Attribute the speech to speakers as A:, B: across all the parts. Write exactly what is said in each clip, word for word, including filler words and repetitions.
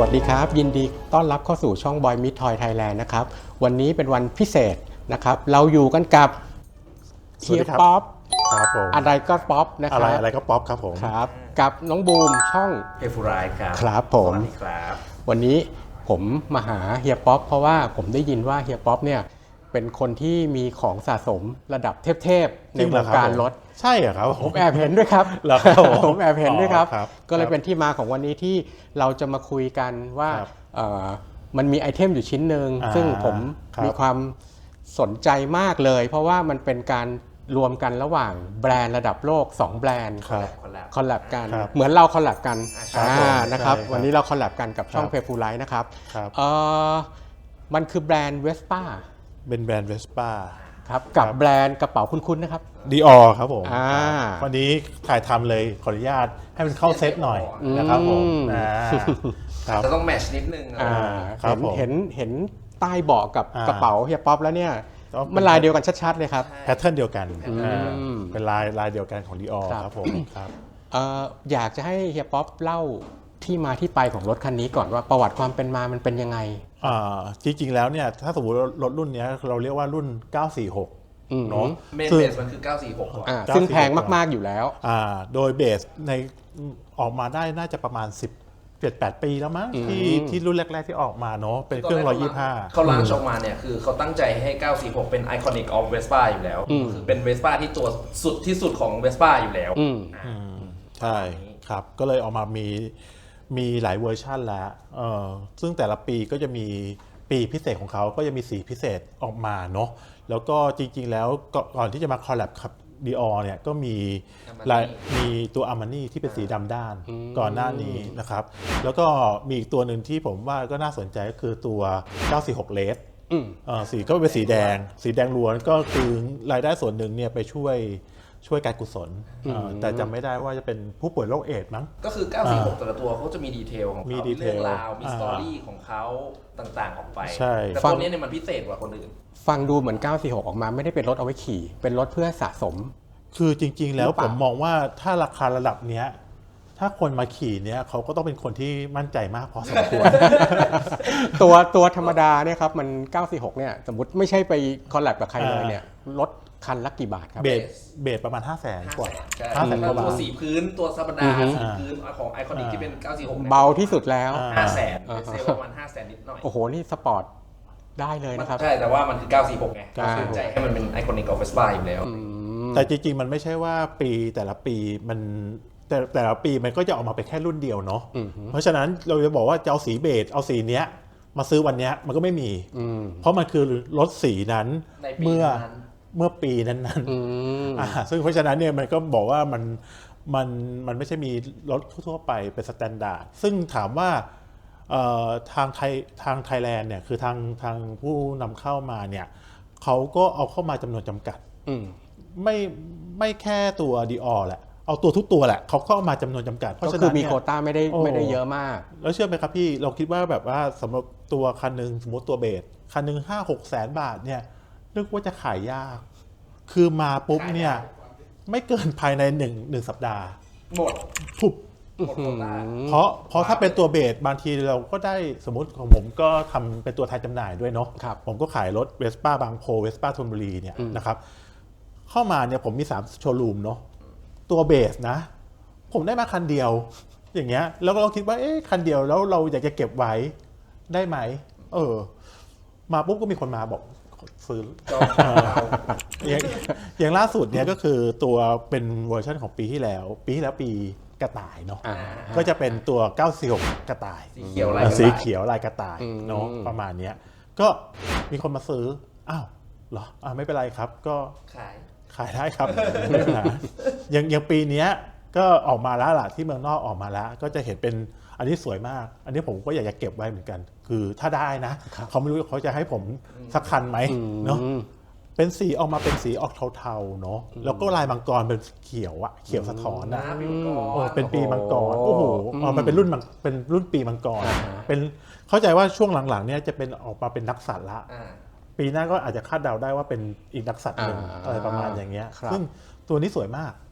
A: วัสดีครับยินดีต้อนรับเข้าสู่ช่อง Boy Meet Toy Thailand นะครับวันนี้เป็นวันพิเศษนะครับเราอยู่กันกับเฮียป๊อป
B: ครับผม
A: อะไรก็ป๊อปนะครับ
B: อะไรอะไรก็ป๊อปครับผม
A: ครับกับน้องบูมช่อง
C: เพฟูรายครับ
A: ครับผม
C: สวัสดีครับ
A: วันนี้ผมมาหาเฮียป๊อปเพราะว่าผมได้ยินว่าเฮียป๊อปเนี่ยเป็นคนที่มีของสะสมระดับเทพๆในวงการรถ
B: ใช่เหรอครับ
A: ผมแอบเห็นด้วยครับผมแอบเห็นด้วยครับก็เลยเป็นที่มาของวันนี้ที่เราจะมาคุยกันว่ามันมีไอเทมอยู่ชิ้นหนึ่งซึ่งผมมีความสนใจมากเลยเพราะว่ามันเป็นการรวมกันระหว่างแบรนด์ระดับโลกสองแบรนด์คอลแลบกันเหมือนเราคอลแลบกันนะครับวันนี้เราคอลแลบกันกับช่องเพฟูไลท์นะครับมันคือแบรนด์เวสป้า
B: เป็นแบรนด์เวสป้า
A: ครับกับแบรนด์กระเป๋าคุ้นๆนะครับ
B: ดีออครับผมวันนี้ถ่ายทำเลยขออนุญาตให้มันเข้าเซตหน่อยนะครับผม
C: จะต้องแมชนิดนึง
A: เห็นเห็นเห็นใต้เบาะกับกระเป๋าเฮียป๊อปแล้วเนี่ยมันลายเดียวกันชัดๆเลยครับ
B: แพทเทิร์นเดียวกันเป็นลายลายเดียวกันของดีออครับผมครับ
A: อยากจะให้เฮียป๊อปเล่าที่มาที่ไปของรถคันนี้ก่อนว่าประวัติความเป็นมามันเป็นยังไง
B: จริงๆแล้วเนี่ยถ้าสมมติรถรุ่นนี้เราเรียกว่ารุ่นเก้าสี่หก
C: เนาะเมนเบสมันคือเก้าสี่หก
A: ก่อนซึ่งแพงมากๆอยู่แล้ว
B: โดยเบสในออกมาได้น่าจะประมาณสิบ เจ็ด แปดปีแล้วมั้งที่ที่รุ่นแรกๆที่ออกมาเนาะเป็นเครื่องหนึ่งร้อยยี่สิบห้า
C: เขาล้างออกมาเนี่ยคือเขาตั้งใจให้เก้าสี่หกเป็นไอคอนิกออฟเวสป้าอยู่แล้วคือเป็นเวสป้าที่ตัวสุดที่สุดของเวสป้าอยู่แล้ว
B: ใช่ครับก็เลยออกมามีมีหลายเวอร์ชันแล้วซึ่งแต่ละปีก็จะมีปีพิเศษของเขาก็จะมีสีพิเศษออกมาเนาะแล้วก็จริงๆแล้วก่อนที่จะมาคอลแลบกับดีออเนี่ยก็มีมีตัวอาร์มานี่ที่เป็นสีดำด้านก่อนหน้านี้นะครับแล้วก็มีอีกตัวหนึ่งที่ผมว่าก็น่าสนใจก็คือตัวเก้าสี่หกเลสสีก็เป็นสีแดงสีแดงล้วนก็คือรายได้ส่วนหนึ่งเนี่ยไปช่วยช่วยการกุศลแต่จำไม่ได้ว่าจะเป็นผู้ป่วยโรคเอดส์มั้ง
C: ก็คือเก้าสี่หกแต่ละตัวเขาจะมีดีเทลของเขาเรื่องราวมีสตอรี่ของเขาต่างๆออกไปแต่ตัวนี้เนี่ยมันพิเศษกว่าคนอื่น
A: ฟังดูเหมือนเก้าสี่หกออกมาไม่ได้เป็นรถเอาไว้ขี่เป็นรถเพื่อสะสม
B: คือจริงๆแล้วผมมองว่าถ้าราคาระดับเนี้ยถ้าคนมาขี่เนี้ยเขาก็ต้องเป็นคนที่มั่นใจมากพอสมควร
A: ตัวตัวธรรมดาเนี่ยครับมันเก้าสี่หกเนี่ยสมมติไม่ใช่ไปคอลแลบกับใครเลยเนี่ยรถคันละกี่บาทครับ
B: เบสเบสประมาณ ห้าแสน กว่า
C: ห้าแสน กว่าบาทตัวสีพื้นตัวธรรมดาสีพื้นของไอคอนิกที่เป็นเก้าสี่หก
A: เบาที่สุดแล้ว
C: ห้าแสนเซลประมาณห้าแสนนิดหน่อย
A: โอ้โหนี่สปอร์ตได้เลยนะครับ
C: ใช่แต่ว่ามันคือเก้าสี่หกไงก็สนใจให้มันเป็นไอคอนิกของเวสป้าอยู่แล้ว
B: แต่จริงๆมันไม่ใช่ว่าปีแต่ละปีมันแต่แต่ละปีมันก็จะออกมาเป็นแค่รุ่นเดียวเนาะเพราะฉะนั้นเราจะบอกว่าจะเอาสีเบจเอาสีเนี้ยมาซื้อวันเนี้ยมันก็ไม่มีเพราะมันคือรถสีนั้นเมื่อเมื่อปีนั้นๆซึ่งเพราะฉะนั้นเนี่ยมันก็บอกว่ามันมันมันไม่ใช่มีรถทั่วไปเป็นสแตนดาร์ดซึ่งถามว่าทางไทยทางไทยแลนด์เนี่ยคือทางทางผู้นำเข้ามาเนี่ยเขาก็เอาเข้ามาจำนวนจำกัดไม่ไม่แค่ตัวดีออแหละเอาตัวทุกตัวแหละเขาเข้ามาจำนวนจำกัด
A: เพราะฉะนั้นมีโควต้าไม่ได้ไม่ได้เยอะมาก
B: แล้วเชื่อไหมครับพี่เราคิดว่าแบบว่าสำหรับตัวคันหนึ่งสมมติตัวเบสคันหนึ่งห้าหกแสนบาทเนี่ยนึกว่าจะขายยากคือมาปุ๊บเนี่ยไม่เกินภายในหนึ่งหนึ่งสัปดาห์
C: หมด
B: ทุบเพราะเพราะถ้าเป็นตัวเบสบางทีเราก็ได้สมมติของผมก็ทำเป็นตัวแทนจำหน่ายด้วยเนาะผมก็ขายรถเวสป้าบางโพเวสป้าธนบุรีเนี่ยนะครับเข้ามาเนี่ยผมมีสามโชว์รูมเนาะตัวเบสนะผมได้มาคันเดียวอย่างเงี้ยแล้วเราคิดว่าเอ๊ะคันเดียวแล้วเราอยากจะเก็บไว้ได้ไหมเออมาปุ๊บก็มีคนมาบอกซื้ออย่างอย่างล่าสุดเนี่ยก็คือตัวเป็นเวอร์ชันของปีที่แล้วปีที่แล้วปีกระต่ายเนาะก็จะเป็นตัวเก้าสี่หกกระต่าย
C: สีเขียวลาย
B: สีเขียวลายกระต่ายเนาะประมาณเนี้ยก็มีคนมาซื้ออ้าวเหรออ่าไม่เป็นไรครับก็
C: ขาย
B: ขายได้ครับไม่เป็นไรอย่างอย่างปีนี้ก็ออกมาแล้วล่ะที่เมืองนอกออกมาแล้วก็จะเห็นเป็นอันนี้สวยมากอันนี้ผมก็อยากจะเก็บไว้เหมือนกันคือถ้าได้นะเขาไม่รู้เขาจะให้ผมสักคันไหมเนาะเป็นสีออกมาเป็นสีออกเทาๆเนาะแล้วก็ลายมังกรเป็นเขียวอะเขียวสะท้อนนะเป็นปีมังกรโอ้โหมันเป็นรุ่นเป็นรุ่นปีมังกรเป็นเข้าใจว่าช่วงหลังๆเนี่ยจะเป็นออกมาเป็นนักสัตว์ละปีหน้าก็อาจจะคาดเดาได้ว่าเป็นอีกนักสัตว์หนึ่งอะไรประมาณอย่างเงี้ยซึ่งตัวนี้สวยมาก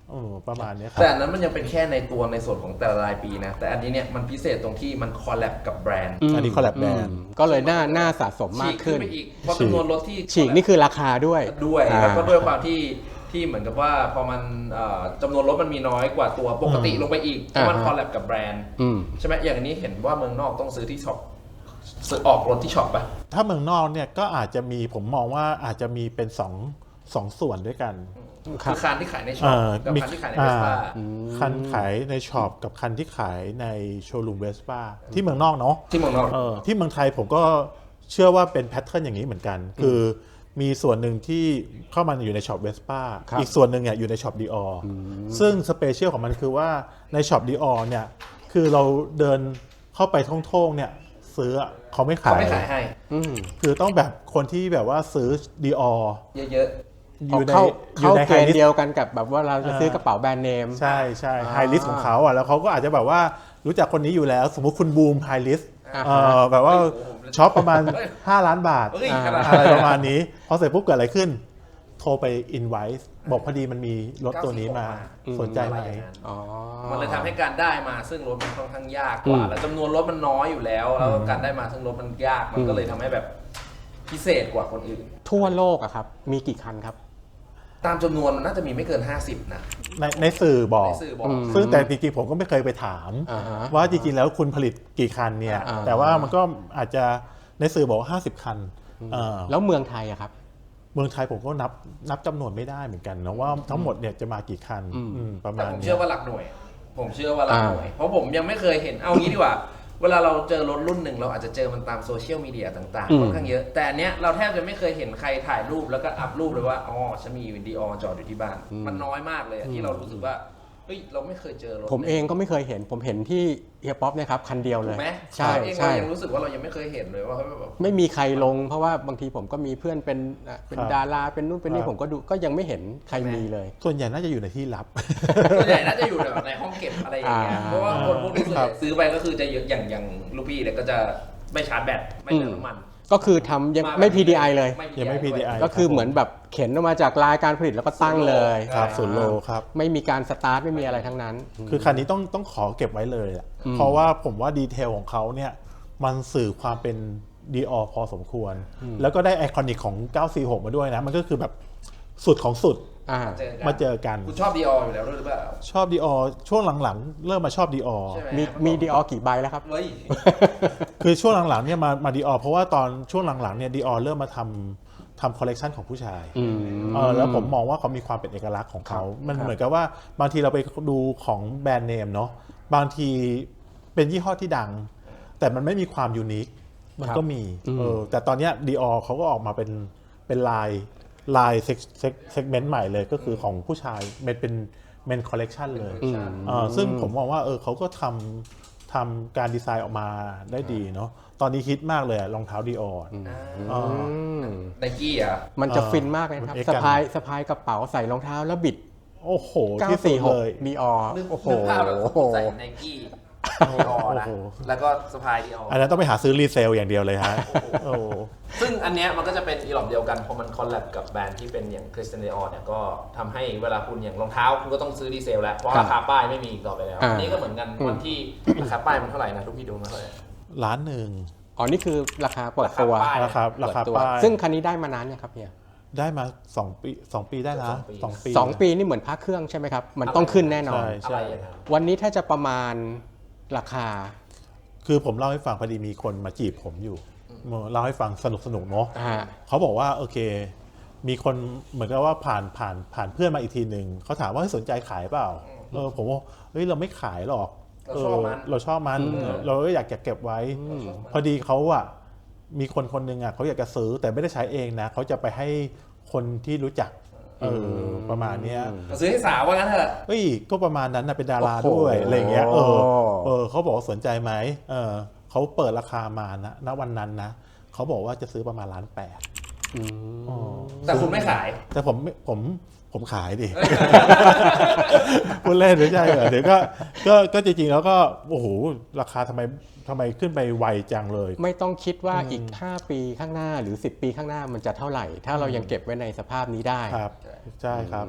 B: เออประมาณนี้ครับ
C: แต่อันนั้นมันยังเป็นแค่ในตัวในส่วนของแต่ละรายปีนะแต่อันนี้เนี่ยมันพิเศษตรงที่มันคอลแลบกับแบรนด์
B: อันนี้คอลแลบแบรนด์
A: ก็เลยน่าน่าสะสมมากขึ้น
C: ฉีกขึ้นไปอีกเพราะจำนวนรถที่
A: ฉีกนี่คือราคาด้วย
C: ด้วยแล้วก็ด้วยความที่ที่เหมือนกับว่าพอมันจำนวนรถมันมีน้อยกว่าตัวปกติลงไปอีกเพราะมันคอลแลบกับแบรนด์ใช่ไหมอย่างนี้เห็นว่าเมืองนอกต้องซื้อที่ช็อปซื้อออกรถที่ช็อปป่ะ
B: ถ้าเมืองนอกเนี่ยก็อาจจะมีผมมองว่าอาจจะมีเป็นสองสองส่วนด้วยกัน
C: คือคันที่ขายในช็อปกับคันที่ขายในเวสป้า
B: คันขายในช็อปกับคันที่ขายในโชว์รูมเวสป้าที่เมืองนอกเนาะ
C: ที่เมืองนอก
B: เออที่เมืองไทยผมก็เชื่อว่าเป็นแพทเทิร์นอย่างนี้เหมือนกันคือมีส่วนหนึ่งที่เข้ามาอยู่ในช็อปเวสป้าอีกส่วนหนึ่งเนี่ยอยู่ในช็อปดีออซึ่งสเปเชียลของมันคือว่าในช็อปดีออเนี่ยคือเราเดินเข้าไปท่องๆเนี่ยซื้อเขาไม่ขาย
C: เขาไม่ขายให้
B: คือต้องแบบคนที่แบบว่าซื้อดีออ
C: เยอะ
A: อยู่ในอยู่ในเกณฑ์เดียวกันกับแบบว่าเราจะซื้อกระเป๋าแบรนด์เนม
B: ใช่ใช่ไฮลิสของเขาอ่ะแล้วเขาก็อาจจะแบบว่ารู้จักคนนี้อยู่แล้วสมมุติคุณบูมไฮลิสแบบว่าช็อปประมาณห้าล้านบาทอะไรประมาณนี้พอเสร็จปุ๊บเกิดอะไรขึ้นโทรไปอินไวซ์บอกพอดีมันมีรถตัวนี้มาสนใจไหม
C: มันเลยทำให้การได้มาซึ่งรถมันค่อนข้างยากกว่าแล้วจำนวนรถมันน้อยอยู่แล้วแล้วการได้มาซึ่งรถมันยากมันก็เลยทำให้แบบพิเศษกว่าคนอื่น
A: ทั่วโลกอะครับมีกี่คันครับ
C: ตามจำนวนมันน่าจะมีไม่เกินห้าสิบนะ
B: ในในสื่อบอกซึ่งแต่จริงๆผมก็ไม่เคยไปถามว่าจริงๆแล้วคุณผลิตกี่คันเนี่ยแต่ว่ามันก็อาจจะในสื่อบอกว่าห้าสิบคัน
A: แล้วเมืองไทยอะครับ
B: เมืองไทยผมก็นับนับจำนวนไม่ได้เหมือนกันนะว่าทั้งหมดเนี่ยจะมากี่คันประมาณนี้
C: ผมเชื่อว่าหลักหน่วยผมเชื่อว่าหลักหน่วยเพราะผมยังไม่เคยเห็นเอางี้ดีกว่าเวลาเราเจอรถรุ่นหนึ่งเราอาจจะเจอมันตามโซเชียลมีเดียต่างๆค่อนข้างเยอะแต่อันเนี้ยเราแทบจะไม่เคยเห็นใครถ่ายรูปแล้วก็อัพรูปเลยว่าอ๋อฉันมีวิดีโอจอดอยู่ที่บ้านมันน้อยมากเลยที่เรารู้สึกว่าเฮ้ยเราไม่เคยเจอรถ
A: ผมเองก็ไม่เคยเห็นผมเห็นที่เฮียป๊อปเนี่ยครับคันเดียวเลย
C: ใช่ใช่เรายังรู้สึกว่าเรายังไม่เคยเห็นเลยว่า
A: ไม่มีใครลงเพราะว่าบางทีผมก็มีเพื่อนเป็นเป็นดาราเป็นนู่นเป็นนี่ผมก็ดูก็ยังไม่เห็นใครมีเลย
B: ส่วนใหญ่น่าจะอยู่ในที่ลับ
C: ส่วนใหญ่น่าจะอยู่แบบในห้องเก็บอะไรอย่างเงี้ยเพราะว่าคนพวกนี้ส่วนใหญ่ซื้อไปก็คือจะเยอะอย่างอย่างลูกพี่เนี่ยก็จะไม่ชาร์จแบตไม่เติมน้ำมัน
A: ก็คือทำยังไม่ พี ดี ไอ เลย
B: ยังไม่ พี ดี ไอ
A: ก็คือเหมือนแบบเข็นออกมาจากรายการผลิตแล้วก็ตั้งเลย
B: ครับศูนย์โลครับ
A: ไม่มีการสตาร์ทไม่มีอะไรทั้งนั้น
B: คือคันนี้ต้องต้องขอเก็บไว้เลยอ่ะเพราะว่าผมว่าดีเทลของเขาเนี่ยมันสื่อความเป็นดีออพอสมควรแล้วก็ได้ไอคอนิกของเก้าสี่หกมาด้วยนะมันก็คือแบบสุดของสุดมาเจอกัน
C: คุณชอบดีอออยู่แล้วหรือเปล่า
B: ชอบดีออช่วงหลังๆเริ่มมาชอบดีออ
A: มีมีดีออกี่ใบแล้วครับ
B: คือช่วงหลังๆเนี่ยมามาดีออเพราะว่าตอนช่วงหลังๆเนี่ยดีออเริ่มมาทำทำคอลเลกชันของผู้ชายแล้วผมมองว่าเขามีความเป็นเอกลักษณ์ของเขามันเหมือนกับว่าบางทีเราไปดูของแบรนด์เนมเนาะบางทีเป็นยี่ห้อที่ดังแต่มันไม่มีความยูนิคมันก็มีเออแต่ตอนนี้ดีออเขาก็ออกมาเป็นเป็นลายลายเซกเมนต์ใหม่เลยก็คือของผู้ชายมันเป็นเมนคอลเลกชันเลยซึ่งผมมองว่าเออเขาก็ทำทำการดีไซน์ออกมาได้ดีเนาะตอนนี้ฮิตมากเลยรองเท้าดีออ
C: ไนกี้อ่ะ
A: มันจะฟินมากเลยครับสะพายสะพายกระเป๋าใส่รองเท้าแล้วบิด
B: โอ้โห
A: เก้าสี่หกดีออ
C: โอ้โหใส่ไนกี้ดีออนะแล้วก็สะพายดีออ
B: อันนั้นต้องไปหาซื้อรีเซลอย่างเดียวเลยฮะ
C: ซึ่งอันเนี้ยมันก็จะเป็นอีหลอบเดียวกันพอมันคอลแลบกับแบรนด์ที่เป็นอย่างคริสเตียนดีออเนี่ยก็ทำให้เวลาคุณอย่างรองเท้าคุณก็ต้องซื้อดีเซลแล้วเพราะราคาป้ายไม่มีอีกต่อไปแล้วอันนี้ก็เหมือนกันวันที่ราคาป้ายมันเท่าไหร่นะทุกพี่ดูมาเท่าไหร่
B: ล้านหนึ่ง
A: อ๋อนี่คือราคาเปิดตัว
B: ราคาราคาป้าย
A: ซึ่งคันนี้ได้มานานเนี่ยครับเนี่ย
B: ได้มาสองปีสองปีได้แล้วสองปี
A: สองปีนี่เหมือนพระเครื่องใช่ไหมครับมันต้องขึ้นแน่นอน
B: ใช่
A: วันนี้ถ้าจะประมาณราคา
B: คือผมเล่าให้ฟังพอดีมีคนมาจีบผมอยู่เล่าให้ฟังสนุกสนุกเนาะเขาบอกว่าโอเคมีคนเหมือนกับว่าผ่านผ่านผ่านเพื่อนมาอีกทีหนึ่งเขาถามว่าสนใจขายเปล่าเออผมว่าเฮ้ยเราไม่ขายหรอก
C: เราชอบมัน
B: เราชอบมันเราก็อยากเก็บไว้พอดีเขาอะมีคนคนหนึ่งอะเขาอยากจะซื้อแต่ไม่ได้ใช้เองนะเขาจะไปให้คนที่รู้จักเออประมาณนี้
C: ซื้อให้สาวว่างั้นเถอะ
B: เฮ้ยก็ประมาณนั้นนะเป็นดาราด้วยอะไรเงี้ยเออเออเขาบอกสนใจไหมเออเขาเปิดราคามานะณวันนั้นนะเขาบอกว่าจะซื้อประมาณล้านแปด
C: แต่คุณไม่ขาย
B: แต่ผมผมผมขายดิพูดเล่นไม่ใช่เหรอเดี๋ยวก็ก็ก็จริงๆแล้วก็โอ้โหราคาทำไมทำไมขึ้นไปไวจังเลย
A: ไม่ต้องคิดว่าอีกห้าปีข้างหน้าหรือสิบปีข้างหน้ามันจะเท่าไหร่ถ้าเรายังเก็บไว้ในสภาพนี้ได้
B: ครับใช่ครับ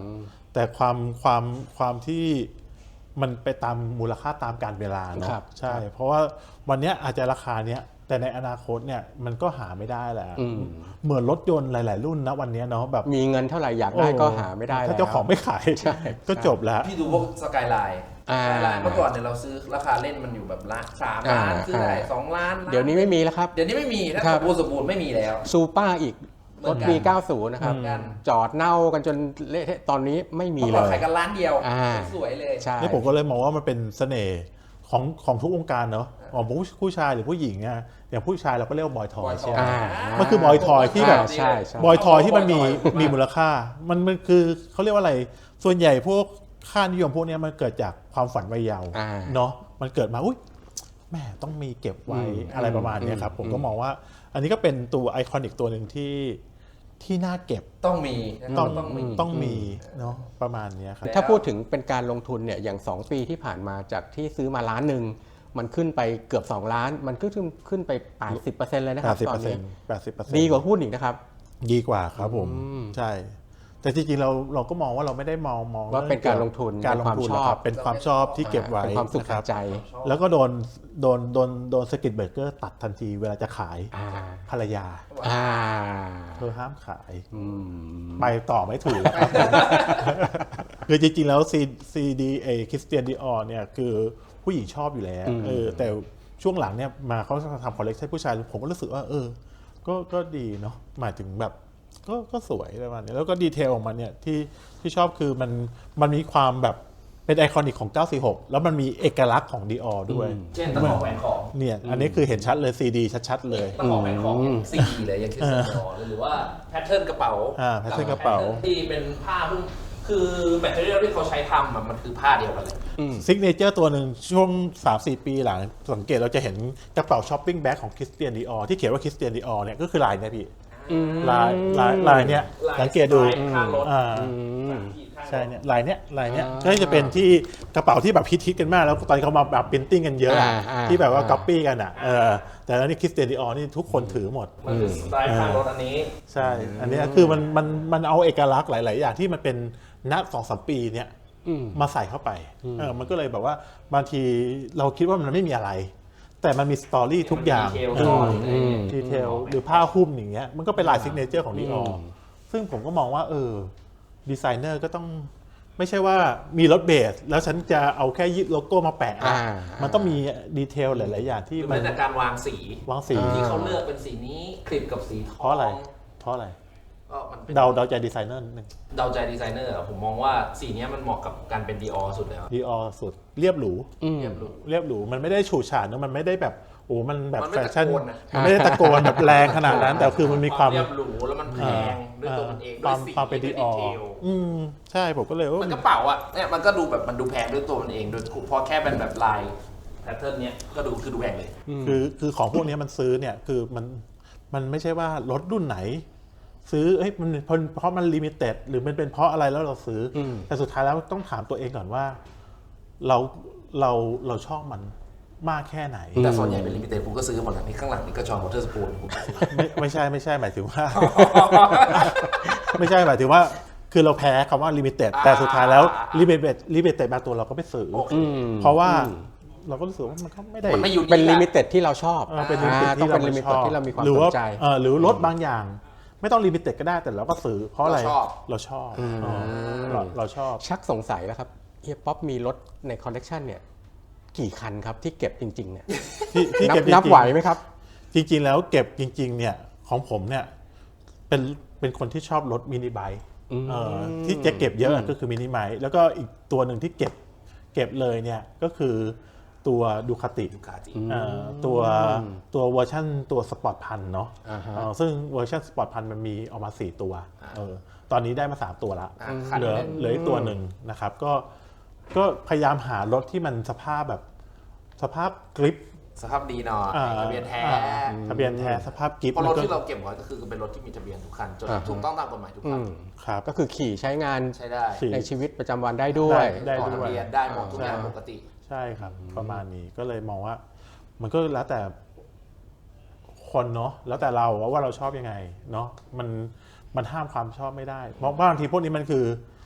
B: แต่ความความความที่มันไปตามมูลค่าตามการเวลาเนาะใช่เพราะว่าวันนี้อาจจะราคาเนี้ยแต่ในอนาคตเนี่ยมันก็หาไม่ได้แหละเหมือนรถยนต์หลายๆรุ่นนะวันนี้เนาะแบบ
A: มีเงินเท่าไหร่อยากได้ก็หาไม่ได้แล้ว
B: ถ้าเจ้าของไม่ขายก็จบแล้ว
C: พี่ดูพวกสกายไลน์เมื่อก่อนเนี่ยเราซื้อราคาเล่นมันอยู่แบบละสามล้านซื้อได้สองล้าน
A: เดี๋ยวนี้ไม่มีแล้วครับ
C: เดี๋ยวนี้ไม่มีถ้าสมบูรณ์สมบูรณ์ไม่มีแล้ว
A: ซูเปอร์อีกรถปีเก้าสิบนะครับจอดเน่ากันจนเละตอนนี้ไม่มีเลย
C: ขายกันล้านเดียวสวยเลย
B: นี่ผมก็เลยมองว่ามันเป็นเสน่ห์ของของทุกวงการเนาะของผู้ชายหรือผู้หญิงอ่ะอย่างผู้ชายเราก็เรียกว่าบอยทอยใช่ไหมมันคือบอยทอยที่แบบบอยทอยที่มันมีมีมูลค่ามันมันคือเขาเรียกว่าอะไรส่วนใหญ่พวกค่านิยมพวกนี้มันเกิดจากความฝันวัยเยาว์เนาะมันเกิดมาอุ้ยแม่ต้องมีเก็บไว้อะไรประมาณนี้ครับผมก็มองว่าอันนี้ก็เป็นตัวไอคอนิกตัวหนึ่งที่ที่น่าเก็บ
C: ต้องมี
B: ต้องต้องมีต้องมีเนาะประมาณนี้ครับ
A: ถ้าพูดถึงเป็นการลงทุนเนี่ยอย่างสองปีที่ผ่านมาจากที่ซื้อมาล้านหนึ่งมันขึ้นไปเกือบสองล้านมันขึ้นขึ้นไป แปดสิบเปอร์เซ็นต์ เลยนะครับตอนนี้
B: แปดสิบเปอร์เซ็นต์
A: ดีกว่าหุ้นอีกนะครับ
B: ดีกว่าครับผมใช่แต่จริงๆเราเราก็มองว่าเราไม่ได้มองมอง
A: ว่าเป็นการลงทุน
B: การลงทุนครับเป็นความชอบที่เก็บไว้
A: เป็นความสุขใจ
B: แล้วก็โดนโดนโดนโดนสกิดเบรกเกอร์ตัดทันทีเวลาจะขายภรรยาเธอห้ามขายไปต่อไม่ถูกคือจริงๆแล้วซีซีดีเอคริสเตียนดิออร์เนี่ยคือผู้หญิงชอบอยู่แล้วเออแต่ช่วงหลังเนี่ยมาเขาทำคอลเลคชันผู้ชายผมก็รู้สึกว่าเออก็ก็ดีเนาะหมายถึงแบบก็ก็สวยประมาณนี้แล้วก็ดีเทลของมันเนี่ยที่ที่ชอบคือมันมันมีความแบบเป็นไอคอนิกของเก้าสี่หกแล้วมันมีเอกลักษณ์ของ Dior ด้วย
C: เช่นตะขอแหวนของ
B: เนี่ยอันนี้คือเห็นชัดเลย ซี ดี ชัดๆเลย
C: ตะขอแหวนของ ซี ดี เลยอย่างที่สมอหรือว่าแพทเทิร์นกระเป๋า
B: อ่าแพทเทิร์นกระเป๋า
C: ที่เป็นผ้าเพิ่งคือแบตเตอรี่ที่เขาใช้ทำมันคือผ้าเดียวกันเลย
B: ซิกเนเจอร์ตัวหนึ่งช่วง สามสี่ ปีหลังสังเกตเราจะเห็นกระเป๋าช้อปปิ้งแบ็คของคริสเตียนดิออร์ที่เขียนว่าคริสเตียนดิออร์เนี่ยก็คือลายเนี่ยพี่ลายลายลายเนี้ยสังเกตดูอ่าใช่เนี่ยลายเนี้ยลายเนี้ยก็จะเป็นที่กระเป๋าที่แบบฮิตๆกันมากแล้วตอนนี้เขามาแบบพิมพ์ติ้งกันเยอะที่แบบว่าก๊อปปี้กันอ่ะเออแต่แล้วนี่คริสเตียนดิออร์นี่ทุกคนถือหมด
C: มันคือสไตล์ข้างรถอันนี้
B: ใช่อันนี้คือมันมันมันเอาเอกลักษณ์หลายๆอย่างที่มันเป็นณ สองสาม ปีเนี่ยมาใส่เข้าไปเออมันก็เลยแบบว่าบางทีเราคิดว่ามันไม่มีอะไรแต่มันมีสตอรี่ทุกอย่างดีเทลหรือผ้าหุ้มอย่างเงี้ยมันก็เป็นลายซิกเนเจอร์ของดิออร์ซึ่งผมก็มองว่าเออดีไซเนอร์ก็ต้องไม่ใช่ว่ามีรถเบสแล้วฉันจะเอาแค่ยึดโลโก้มาแปะมันต้องมีดีเทลหลายๆอย่างที่
C: มันแต่การวางสี
B: วางสี
C: ที่เขาเลือกเป็นสีนี้คลิปกับสีทอง
B: เพราะอะไรเพราะอะไรเดาเดาใจดีไซเนอร์นึง
C: เดาใจดีไซเนอร์ผมมองว่าสีนี้มันเหมาะกับการเป็น Dior สุดแล้ว
B: Dior สุดเรียบหรูเรียบหรูเรียบหรูมันไม่ได้ฉูดฉาดนะมันไม่ได้แบบโอ้มันแบบแฟชั่นมันไม่ได้ตะโกนแบบแรงขนาดนั้นแต่คือมันมีความ
C: เรียบหรูแล้วมันแพงด้วยตัวมันเอง
B: ด้วยสีความเป็น Dior อืมใช่ผมก็เลย
C: ว่ามันกระเป๋าอ่ะเนี่ยมันก็ดูแบบมันดูแพงด้วยตัวมันเองโดยพอแค่เป็นแบบลายแพทเทิร์นเนี้ยก็ดูคือดูแพงเลย
B: คือคือของพวกนี้มันซื้อเนี่ยคือมันมันไม่ใช่ว่ารถรุ่นไหนซื้อเอ้ยมันเพราะมันลิมิเต็ดหรือมันเป็นเพราะอะไรแล้วเราซื้อแต่สุดท้ายแล้วต้องถามตัวเองก่อนว่าเราเราเราชอบมันมากแค่ไหน
C: แต่ส่วนใหญ่เป็นลิมิเต็ดผมก็ซื้อหมดแล้วนี่ข้างหลังนี่ก็จอห์นวอเตอร์สปูน
B: ไม่ไม่ใช่ไม่ใช่หมายถึงว่าไม่ใช่หมายถึงว่าคือเราแพ้คำว่าลิมิเต็ดแต่สุดท้ายแล้วลิมิเต็ดลิมิเต็ดบางตัวเราก็ไม่ซื้อเพราะว่าเราก็รู้สึกว่ามันก็ไม่ได้
A: เป็นลิมิเต็ดที่เราชอบ
B: เป็นลิมิเต็ดที่เราชอบ
A: ที่เรามีความสนใจ
B: หรือรถบางอย่างไม่ต้องลิมิเต็ดก็ได้แต่เราก็ซื้อเพราะอะไรเราชอบเราชอบ
A: ชักสงสัยแล้วครับเฮียป๊อปมีรถในคอลเลกชันเนี่ยกี่คันครับที่เก็บจริงๆเนี่ย
B: ที่เก็บ
A: นับไหวไหมครับ
B: จริงๆแล้วเก็บจริงๆเนี่ยของผมเนี่ยเป็นเป็นคนที่ชอบรถมินิไบค์ที่จะเก็บเยอะก็คือมินิไบค์แล้วก็อีกตัวหนึ่งที่เก็บเก็บเลยเนี่ยก็คือตัวดูคาติตัวตัวเวอร์ชันตัวสปอร์ตพันเนาะซึ่งเวอร์ชันสปอร์ตพันมันมีออกมาสี่ตัวตอนนี้ได้มาสามตัวละเหลือเหลืออีกตัวหนึ่งนะครับก็ก็พยายามหารถที่มันสภาพแบบสภาพกริป
C: สภาพดีหน่อยทะเบียนแท้
B: ทะเบียนแท้สภาพกริป
C: เพราะรถที่เราเก็บไว้ก็คือเป็นรถที่มีทะเบียนทุกคันจนถูกต้องตามกฎหมายทุกคัน
B: ครับ
A: ก็คือขี่ใช้งาน
C: ใช้ได้
A: ในชีวิตประจำวันได้ด้วย
C: ต่อทะเบียนได้หมดทุกอย่างปกติ
B: ใช่ครับประมาณนี้ก็เลยมองว่ามันก็แล้วแต่คนเนาะแล้วแต่เราว่าเราชอบยังไงเนาะมันมันห้ามความชอบไม่ได้เพราะบางทีพวกนี้มันคือ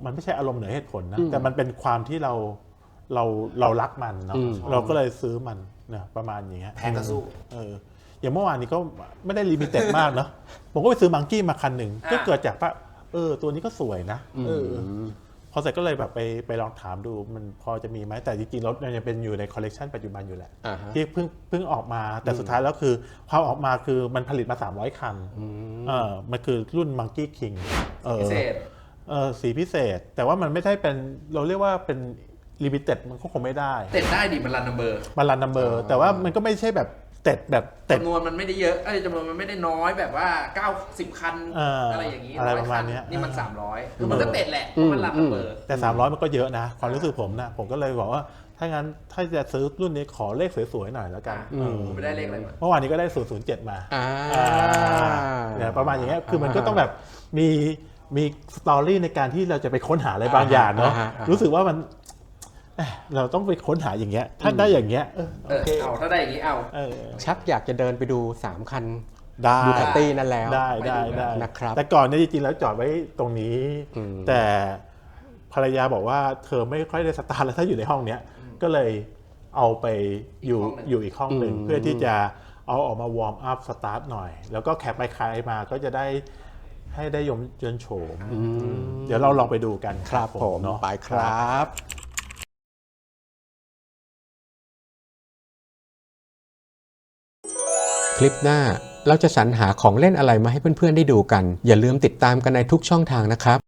B: มันไม่ใช่อารมณ์เหนือเหตุผลนะแต่มันเป็นความที่เราเราเรารักมันเนาะเราก็เลยซื้อมันเนี่ยประมาณอย่างเงี้ย
C: แพงก็สู้
B: เอออย่างเมื่อวานนี้ก็ไม่ได้ลิมิเต็ดมากเนาะผมก็ไปซื้อมังกี้มาคันหนึ่งก็เกิดจากว่าเออตัวนี้ก็สวยนะเออพอเสร็จก็เลยแบบไปไปลองถามดูมันพอจะมีไหมแต่จริงๆรถมันยังเป็นอยู่ในคอลเลกชันปัจจุบันอยู่แหละที่เพิ่งเพิ่งออกมาแต่สุดท้ายแล้วคือความออกมาคือมันผลิตมาสามร้อยคันเออมันคือรุ่น Monkey King เออ
C: พิเศษ
B: เออสีพิเศษแต่ว่ามันไม่ได้เป็นเราเรียกว่าเป็นลิมิเต็ดมันก็คงไม่ได้
C: เต็ดได้ดิมันรันนัมเบอร์
B: มันรันนัมเบอร์แต่ว่ามันก็ไม่ใช่แบบเต็ดแบบเต็ด
C: จำนวนมันไม่ได้เยอะเอ้ยจำนวนมันไม่ได้น้อยแบบว่าเก้าสิบคัน
B: เอออ
C: อะไรอย่างนี้
B: อะไร
C: ร้อย
B: ประมา
C: คั
B: ณ
C: น
B: เนี้ย
C: นี่มันสามร้อยคือมันก็เต็ดแหละเพราะมันรันนัมเบอร์
B: แต่สามร้อยมันก็เยอะนะความรู้สึกผมนะผมก็เลยบอกว่าถ้างั้นถ้าจะซื้อรุ่นนี้ขอเลขสวยๆหน่อยแล้วกัน
C: อ่าผมไม่ได้เลขอะไรมา
B: เมื่อวานนี้ก็ได้ศูนย์ ศูนย์ เจ็ดมา
A: อ่า
B: เนี่ยประมาณอย่างเงี้ยคือมันก็ต้องแบบมีมีสตอรี่ในการที่เราจะไปค้นหาอะไรบางอย่างเนาะ
A: อ่าฮะอ่าฮะ
B: รู้สึกว่ามันเอ้ยเราต้องไปค้นหาอย่างเงี้ยถ้าได้อย่างเงี้ยเออ
C: เอ
B: โอ
C: อ
B: เค
C: เอาถ้าได้อย่างนี้เอา
B: เออ
A: ชักอยากจะเดินไปดูสามคัน
B: ได้
A: ดูคาตี้นั่นแล้ว
B: ได้ได้ได้
A: นะครับ
B: แต่ก่อนเนี่ยจริงๆแล้วจอดไว้ตรงนี้ แต่ภรรยาบอกว่าเธอไม่ค่อยได้สตาร์ทแล้วถ้าอยู่ในห้องเนี้ยก็เลยเอาไปอยู่
C: อีกห้องหนึ่ง
B: อยู่อีกห้องหนึ่งเพื่อที่จะเอาออกมาวอร์มอัพสตาร์ทหน่อย แล้วก็แคปไปคายมาก็จะได้ให้ได้ยมเยินโฉมเดี๋ยวเราลองไปดูกัน
A: ครับผม
B: เนาะ
A: ไปครับ คลิปหน้าเราจะสรรหาของเล่นอะไรมาให้เพื่อนๆได้ดูกัน อย่าลืมติดตามกันในทุกช่องทางนะครับ